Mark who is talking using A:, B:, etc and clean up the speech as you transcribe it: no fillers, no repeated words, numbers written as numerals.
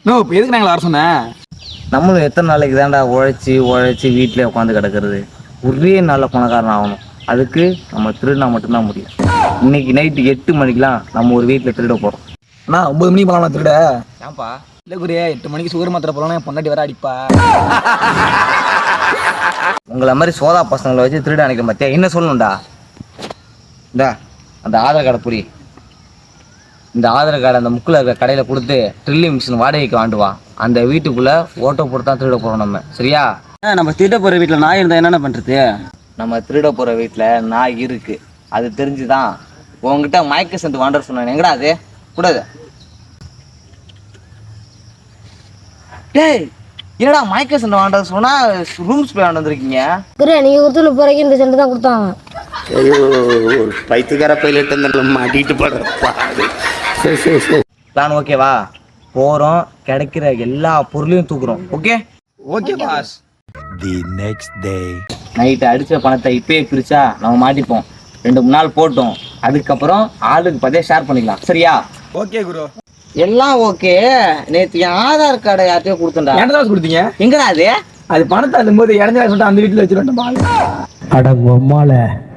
A: No இப்போ எதுக்கு நாங்கள் வர சொன்னேன்?
B: நம்மளும் எத்தனை நாளைக்கு தான்டா உழைச்சி வீட்டிலே உட்காந்து கிடக்கிறது. ஒரே நாளில் பணக்காரன் ஆகணும். அதுக்கு நம்ம திருடினா மட்டும்தான் முடியும். இன்னைக்கு நைட்டு 8 மணிக்கெலாம் நம்ம ஒரு வீட்டில் திருட போகிறோம்.
A: அண்ணா 9 மணிக்கு போகலாம் திருட.
B: ஏன்பா?
A: இல்லை குரு, 8 மணிக்கு சுகர் மாத்திரை போகலாம், என் பொண்டாட்டி வர அடிப்பா.
B: உங்களை மாதிரி சோதா பசங்களை வச்சு திருட அணைக்க மாத்தியா? என்ன சொல்லணும்டா? இந்தா அந்த ஆதார் கார்டை புரி. இந்த ஆதார் கார்டு அந்த முக்கில் இருக்கிற கடையில் கொடுத்து ட்ரில்லிங் மிஷின் வாடகைக்கு வாண்டுவா. அந்த வீட்டுக்குள்ளே ஓட்டோ போட்டு தான் திருட போகிறோம் நம்ம. சரியா?
A: நம்ம திருட போகிற வீட்டில் நாய் இருந்தால் என்னென்ன பண்ணுறது?
B: நம்ம திருட போகிற வீட்டில் நாய் இருக்குது. அது தெரிஞ்சுதான் உங்ககிட்ட மயக்க சென்று வாண்டர் சொன்னேன். எங்கடா அது கூடாது? டேய், என்னடா மயக்க சென்று வாண்டர் சொன்னா ரூம்ஸ் போய் வந்துருக்கீங்க?
C: நீங்க கொடுத்துல போறீங்க, இந்த சென்ட் தான் கொடுத்தாங்க.
D: பைத்துக்கார பைலட் மாட்டிட்டு படுறப்பா. சரி.
B: பிளான் ஓகேவா? போகிறோம், கிடைக்கிற எல்லா பொருளையும் தூக்குறோம்.
A: Okay boss.
D: The next day.
B: Night அடித்த பணத்தை இப்பயே பிரிச்சா நம்ம மாட்டிப்போம். 2-3 நாள் போட்டோம். அதுக்கப்புறம் ஆளுக்கு 10 ஷேர் பண்ணிக்கலாம். சரியா?
A: ஓகே குரு.
B: எல்லாம் ஓகே. நேற்று என் ஆதார் கார்டை யார்ட்டையோ கொடுத்தேன்டா.
A: என்ன கொடுத்தீங்க?
B: எங்கடா அது?
A: அது பணத்தை அள்ளும்போது இறஞ்சா சொல்லிட்டு அந்த வீட்டில் வச்சுருவேன்.
E: அட பொம்மால